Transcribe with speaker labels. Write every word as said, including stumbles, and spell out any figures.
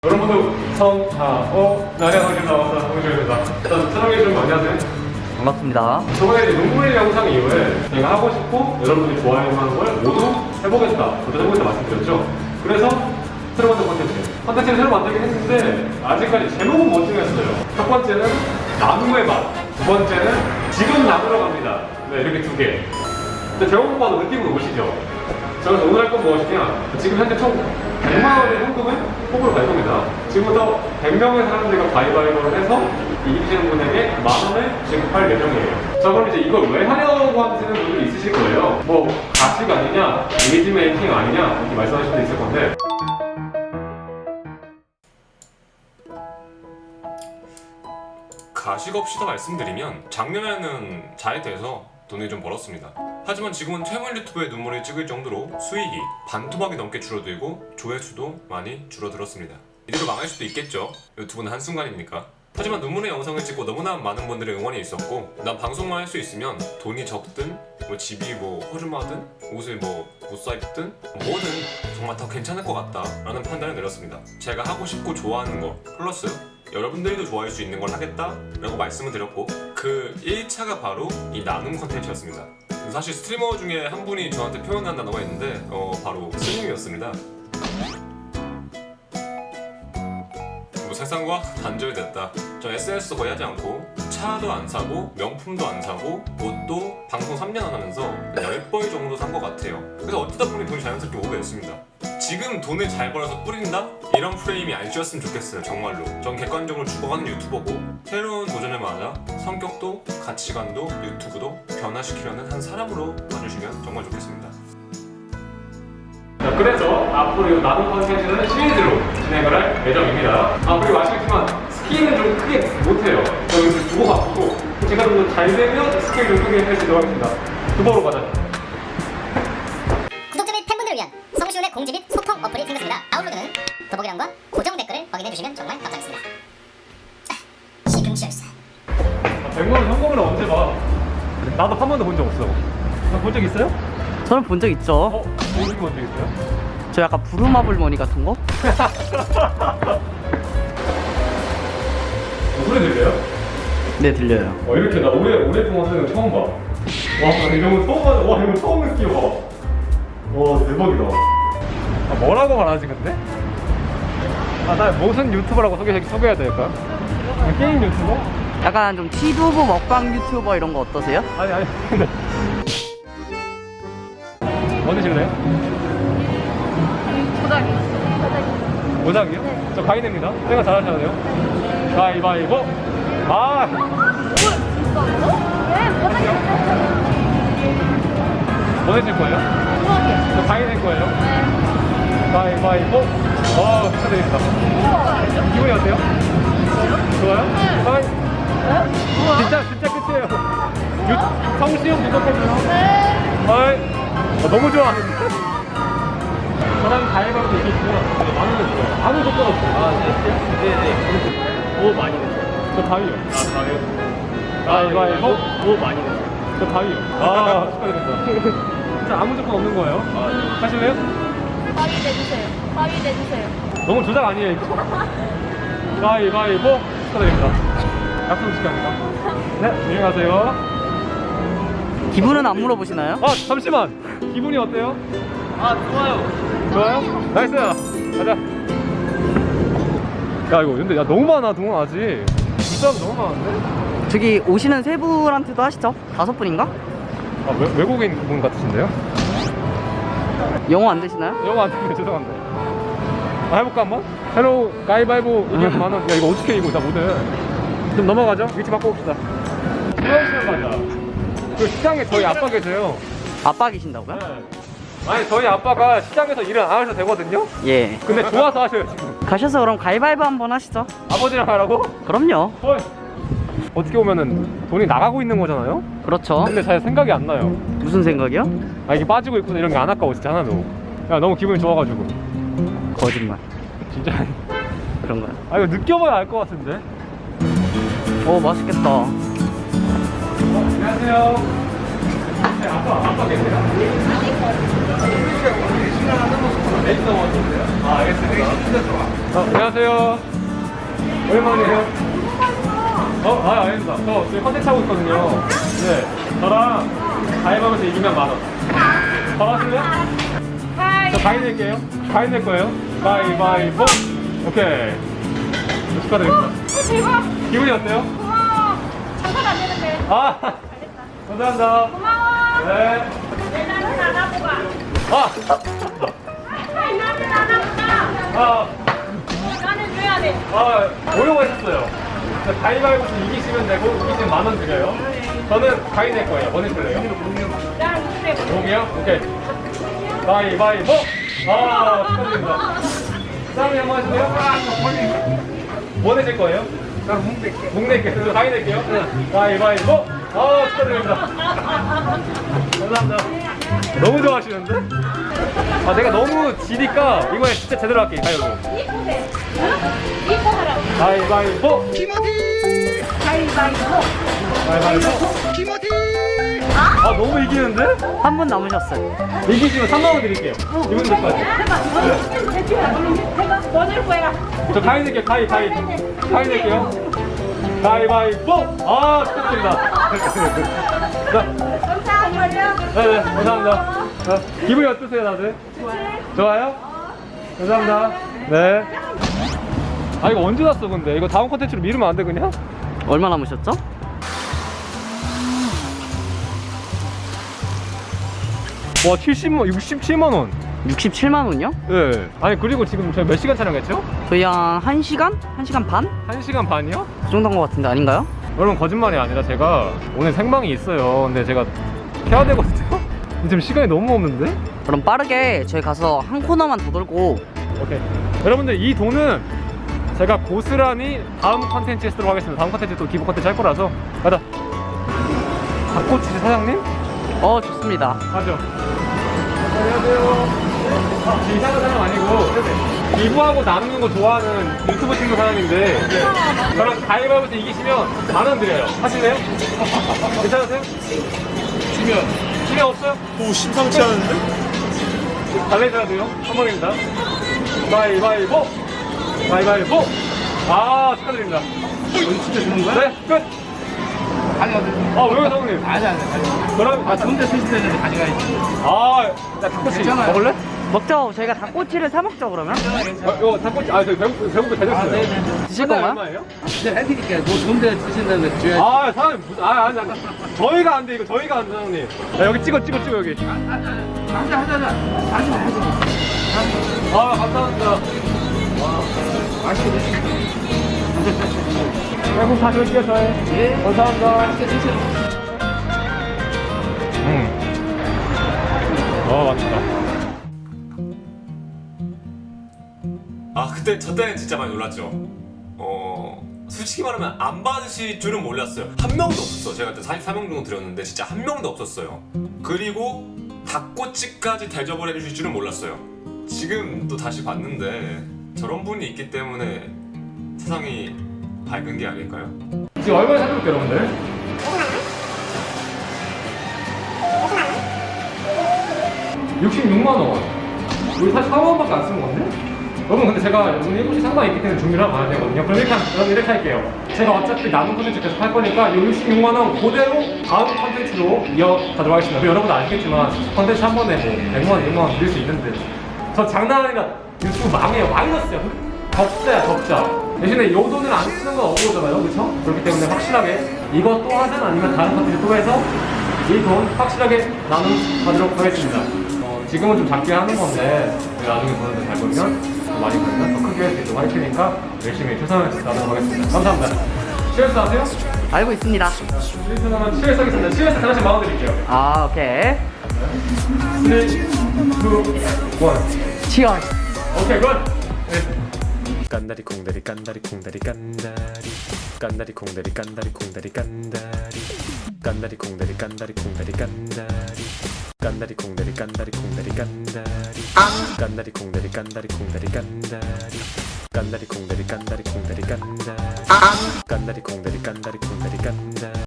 Speaker 1: 여러분 모두 성하오 나래하게 나와서 홍준입니다. 일단 촬영해주신 거 안녕하세요.
Speaker 2: 반갑습니다.
Speaker 1: 저번에 이제 눈물 영상 이후에 제가 하고 싶고 여러분들이 좋아하는 걸 모두 해보겠다, 도전해보겠다 말씀드렸죠. 그래서 새로 만든 콘텐츠 콘텐츠를 새로 만들긴 했는데 아직까지 제목은 못 정했어요. 첫 번째는 나무의 맛, 두 번째는 지금 나무러 갑니다. 네, 이렇게 두 개. 근데 제목만 봐도 느낌은 오시죠? 그래서 오늘 할 건 무엇이냐, 지금 현재 총 백만 원의 현금을 뽑으러 갈 겁니다. 지금부터 백 명의 사람들과 가위바위보를 해서 이기시는 분에게 만 원을 지급할 예정이에요. 자, 그럼 이제 이걸 왜 하려고 하시는 분들이 있으실 거예요. 뭐 가식 아니냐, 이미지 메이킹 아니냐 이렇게 말씀하실 수 있을 건데,
Speaker 3: 가식 없이 더 말씀드리면 작년에는 잘 돼서 돈을 좀 벌었습니다. 하지만 지금은 퇴물 유튜브에 눈물을 찍을 정도로 수익이 반토막이 넘게 줄어들고 조회수도 많이 줄어들었습니다. 이대로 망할 수도 있겠죠. 유튜브는 한순간이니까. 하지만 눈물의 영상을 찍고 너무나 많은 분들의 응원이 있었고, 난 방송만 할 수 있으면 돈이 적든 뭐 집이 뭐 허름하든 옷을 뭐 못 사입든 뭐든 정말 다 괜찮을 것 같다 라는 판단을 내렸습니다. 제가 하고 싶고 좋아하는 거 플러스 여러분들도 좋아할 수 있는 걸 하겠다 라고 말씀을 드렸고, 그 일 차가 바로 이 나눔 컨텐츠였습니다. 사실 스트리머 중에 한 분이 저한테 표현한 단어가 있는데 어, 바로 스님이었습니다. 뭐 세상과 단절됐다. 저 에스엔에스도 거의 하지 않고 차도 안 사고 명품도 안 사고 옷도 방송 삼 년 안 하면서 열 벌 정도 산 것 같아요. 그래서 어쩌다 보니 돈이 자연스럽게 오게 됐습니다. 지금 돈을 잘 벌어서 뿌린다? 이런 프레임이 아니었으면 좋겠어요. 정말로. 전 객관적으로 죽어가는 유튜버고, 새로운 도전을 맞아 성격도 가치관도 유튜브도 변화시키려는 한 사람으로 봐주시면 정말 좋겠습니다.
Speaker 1: 자, 그래서 앞으로 이 나눔 컨텐츠는 시리즈로 진행을 할 예정입니다. 아, 그리고 아시겠지만 스키는 좀 크게 못해요. 저희 좀 두고 바꾸고, 제가 좀 더 잘 되면 스키를 좀 크게 할 수 있도록 하겠습니다. 두보로 가자.
Speaker 4: 구독자 및 팬분들을 위한 성시훈의 공지 및 소통 어플이 생겼습니다. 다운로드는 더보기란과 고정 댓글을 확인해주시면 정말 감사하겠습니다. 시금치열사.
Speaker 1: 아, 백 만 원 현금을 언제 봐? 나도 한 번도 본 적 없어. 본 적 있어요?
Speaker 2: 저는 본 적 있죠.
Speaker 1: 어? 어떻게 본 적 있어요?
Speaker 2: 저 약간 부루마블 머니 같은 거?
Speaker 1: 소리 들려요?
Speaker 2: 네, 들려요.
Speaker 1: 어, 이렇게 나 오래, 오랫동안 쓰는 거 처음 봐. 와, 나 이런 거 처음 봐. 와, 이런 거 처음 느껴. 와, 대박이다. 아, 뭐라고 말하지, 근데? 아, 나 무슨 유튜버라고 소개, 소개해야 될까? 게임 유튜버?
Speaker 2: 약간 좀 티두부 먹방 유튜버 이런 거 어떠세요?
Speaker 1: 아니, 아니, 근데. 뭐 드실래요?
Speaker 5: 모자기. 모자기.
Speaker 1: 모장이요?
Speaker 5: 네.
Speaker 1: 저 가인입니다. 생각 잘하셔야 돼요. 가위바위보. 아!
Speaker 5: 진짜로? 네, 모자기.
Speaker 1: 뭐 해줄 거예요?
Speaker 5: 모자기.
Speaker 1: 저 가인 할 거예요.
Speaker 5: 네.
Speaker 1: 가위바위보. 어, 축하드립니다.
Speaker 5: 우와.
Speaker 1: 기분이 어때요? 좋아요?
Speaker 5: 네.
Speaker 1: 가위.
Speaker 5: 네? 우와.
Speaker 1: 진짜, 진짜 끝이에요. 유, 성시형 구독해줘요.
Speaker 5: 네.
Speaker 1: 어이. 어, 너무 좋아. 저랑 가위바위보 이기시면 만 원을 줘요. 아무 조건 없어요. 아, 네? 네네. 오, 많이 냈어요. 저 가위요. 아, 가위요? 가위바위보. 오, 많이 냈어요. 저 가위요. 아, 축하드립니다. 진짜 아무 조건 없는 거예요. 아, 네. 하실래요?
Speaker 5: 가위 내주세요. 가위 내주세요.
Speaker 1: 너무 조작 아니에요, 이거? 가위바위보. 축하드립니다. 약속 지켜합니다. 네, 안녕히 가세요.
Speaker 2: 기분은 안 물어보시나요?
Speaker 1: 아, 잠시만. 기분이 어때요?
Speaker 3: 아 좋아요.
Speaker 1: 좋아요? 나이스! 가자. 야, 이거 근데 야 너무 많아, 동원 아직. 진짜 너무 많은데?
Speaker 2: 저기 오시는 세 분한테도 하시죠? 다섯 분인가?
Speaker 1: 아, 외, 외국인 분 같으신데요?
Speaker 2: 영어 안 되시나요?
Speaker 1: 영어 안 되면 죄송한데. 아, 해볼까 한번? 헬로 가위바위보 이기면 만 원. 야, 이거 어떻게 이거 나 못해. 좀 넘어가죠? 위치 바꿔봅시다. 수영실 가자. 그 시장에 저희 아빠 계세요.
Speaker 2: 아빠 계신다고요?
Speaker 1: 네. 아니, 저희 아빠가 시장에서 일을 안 하셔도 되거든요?
Speaker 2: 예.
Speaker 1: 근데 좋아서 하셔요, 지금.
Speaker 2: 가셔서 그럼 가위바위보 한번 하시죠.
Speaker 1: 아버지랑 하라고?
Speaker 2: 그럼요.
Speaker 1: 헐. 어떻게 보면은 돈이 나가고 있는 거잖아요?
Speaker 2: 그렇죠.
Speaker 1: 근데 잘 생각이 안 나요.
Speaker 2: 무슨 생각이요?
Speaker 1: 아, 이게 빠지고 있구나 이런 게 안 아까워 진짜 하나도. 야, 너무 기분이 좋아가지고.
Speaker 2: 거짓말.
Speaker 1: 진짜.
Speaker 2: 그런가요?
Speaker 1: 아, 이거 느껴봐야 알 것 같은데.
Speaker 2: 오, 맛있겠다.
Speaker 1: 어, 안녕하세요. 네, 아빠, 아빠 계세요? 레이스 넘어왔는데요? 아, 알겠습니다. 어, 안녕하세요. 오랜만이에요. 어, 아, 아닙니다. 저 지금 컨텐츠 하고 있거든요. 네. 저랑 가위바위보에서 이기면 만 원. 바로 하실래요? 저 가위 낼게요. 가위 낼 거예요. 가위바위보. 오케이. 축하드립니다.
Speaker 5: 대박.
Speaker 1: 기분이 어때요?
Speaker 5: 고마워. 장사가 안 되는데.
Speaker 1: 아, 감사합니다.
Speaker 5: 고마워.
Speaker 1: 네.
Speaker 5: 왜 나는 안 하고 가?
Speaker 1: 아,
Speaker 5: 왜 나는 안 하고 가?
Speaker 1: 아,
Speaker 5: 나는 줘야 돼.
Speaker 1: 아, 오려고 했었어요. 가위바위보에서 이기시면 되고, 이기시면 만 원 드려요. 저는 가위 낼 거예요. 뭐 낼래요?
Speaker 5: 나는 무슨 해?
Speaker 1: 목이요? 오케이. 가위바위보! 아, 축하드립니다. 쌈이 한번 하실래요? 뭐 내실 거예요? 저는 목 낼게요. 목 낼게요. 저 가위 낼게요. 가위바위보! 아, 축하드립니다. 감사합니다. 너무 좋아하시는데? 아, 내가 너무 지니까 이번에 진짜 제대로 할게, 가위바위보.
Speaker 5: 이쁘대. 응? 이뻐 하라고.
Speaker 1: 가위바위보!
Speaker 5: 가위바위보.
Speaker 1: 가위바위보! 아, 너무 이기는데?
Speaker 2: 한 분 남으셨어요.
Speaker 1: 이기시면 삼만 원 드릴게요. 이분 될까요?
Speaker 5: 해봐. 너는 해봐. 너는 뭐야?
Speaker 1: 저 가위 낼게요. 가위, 가위. 가위 낼게요. 가위바위보! 아, 축하드립니다. 자,
Speaker 5: 감사합니다.
Speaker 1: 네네, 감사합니다. 자, 기분이 어떠세요, 다들? 좋아요? 감사합니다. 네. 아, 이거 언제 났어, 근데? 이거 다음 콘텐츠로 미루면 안 돼, 그냥?
Speaker 2: 얼마 남으셨죠?
Speaker 1: 와, 칠십만, 육십칠만 원.
Speaker 2: 육십칠만 원이요?
Speaker 1: 네. 아니, 그리고 지금 저희 몇 시간 촬영했죠?
Speaker 2: 저희 한 1시간? 한 시간 반?
Speaker 1: 한 시간 반이요?
Speaker 2: 그 정도인 것 같은데 아닌가요?
Speaker 1: 여러분, 거짓말이 아니라 제가 오늘 생방이 있어요. 근데 제가 해야 되거든요? 지금 시간이 너무 없는데?
Speaker 2: 그럼 빠르게 저희 가서 한 코너만 더 돌고
Speaker 1: 오케이. 여러분들, 이 돈은 제가 고스란히 다음 컨텐츠에 쓰도록 하겠습니다. 다음 컨텐츠 또 기부 컨텐츠 할 거라서. 가자. 닭꼬치 사장님?
Speaker 2: 어 좋습니다.
Speaker 1: 가죠. 안녕하세요. 아, 저 이상한 사람 아니고 기부하고 나누는 거 좋아하는 유튜브 친구 사장인데 저랑 가위바위보에서 이기시면 만 원 드려요. 하실래요? 괜찮으세요? 지면 지면 없어요?
Speaker 6: 오, 심상치 않은데?
Speaker 1: 달래줘야 돼요. 한 번입니다. 가위바위보! 가위바위보! 아, 축하드립니다.
Speaker 6: 진짜 주는 거야?
Speaker 1: 네, 끝!
Speaker 6: 아니, 아니,
Speaker 1: 아, 왜요, 사장님?
Speaker 6: 아니, 아니. 아니.
Speaker 1: 그럼,
Speaker 6: 아, 좋은데 쓰시는데 가져가야지.
Speaker 1: 아, 야, 닭꼬치
Speaker 6: 괜찮아요.
Speaker 1: 먹을래?
Speaker 2: 먹죠. 저희가 닭꼬치를 사 먹죠 그러면.
Speaker 1: 어, 이거 닭꼬치, 아, 저 배고프, 배고프 다
Speaker 6: 아,
Speaker 1: 줬어요.
Speaker 6: 네네.
Speaker 2: 드실 건가요?
Speaker 1: 얼마예요?
Speaker 6: 내가 해드릴게요. 뭐 좋은데 쓰신다는데 줘야지.
Speaker 1: 아, 사장님, 무슨- 아, 아니, 아니. 저희가 안 돼, 이거 저희가 안 돼, 사장님. 야, 여기 찍어, 찍어, 찍어, 여기.
Speaker 6: 하자, 하자, 하자. 다시 하자.
Speaker 1: 아, 감사합니다.
Speaker 6: 맛있게 드시고.
Speaker 1: 배고프 다시 올게요, 저희.
Speaker 6: 예.
Speaker 1: 감사합니다.
Speaker 6: 맛있게 드세요.
Speaker 1: 음. 어, 맛있다.
Speaker 3: 아 그때 저 때는 진짜 많이 놀랐죠. 어 솔직히 말하면 안 받으실 줄은 몰랐어요. 한 명도 없었어. 제가 그때 사십사 명 정도 드렸는데 진짜 한 명도 없었어요. 그리고 닭꼬치까지 대접을 해주실 줄은 몰랐어요. 지금 또 다시 봤는데 저런 분이 있기 때문에 세상이 밝은 게 아닐까요?
Speaker 1: 지금 얼마나 사줄게요, 여러분들? 육십육만 원. 우리 사십사만 원밖에 안 쓰는 건데? 여러분, 근데 제가 오늘 일곱 시 상담이 있기 때문에 준비를 하고 가야 되거든요. 그럼 이렇게, 하- 여러분 이렇게 할게요. 제가 어차피 남은 컨텐츠 계속 할 거니까 이 육십육만 원 그대로 다음 컨텐츠로 이어가도록 하겠습니다. 그리고 여러분도 아시겠지만 컨텐츠 한 번에 뭐 백만 원, 이백만 원 드릴 수 있는데 저 장난 아니라 유튜브 망해요. 마이너스야. 적자야, 적자. 대신에 이 돈을 안 쓰는 건 어려우잖아요. 그렇죠? 그렇기 때문에 확실하게 이거 또 하든 아니면 다른 컨텐츠 또 해서 이 돈 확실하게 나눠가도록 하겠습니다. 어, 지금은 좀 작게 하는 건데 나중에 돈을 잘 벌면 더 많이 벌면 더 크게 할 수 있도록 할 테니까 열심히 최선을 다하도록 하겠습니다. 감사합니다. 시에스 아세요?
Speaker 2: 알고 있습니다.
Speaker 1: 시에스 하면 시에스 하겠습니다. 시에스 하나씩 만원 드릴게요.
Speaker 2: 아 오케이.
Speaker 1: 삼, 이, 일.
Speaker 2: 치얼스.
Speaker 1: 오케이, 굿! 네.
Speaker 3: 깐다리 콩다리 깐다리 콩다리 깐다리 깐다리 콩다리 깐다리 콩다리 깐다리 깐다리 콩다리 깐다리 콩다리 깐다리 깐다리 콩다리 깐다리 콩다리 깐다리 깐다리 콩다리 깐다리 콩다리 깐다리 깐다리 콩다리 깐다리 콩다리 깐다리 깐다리 콩다리 깐다리 콩다리 깐다리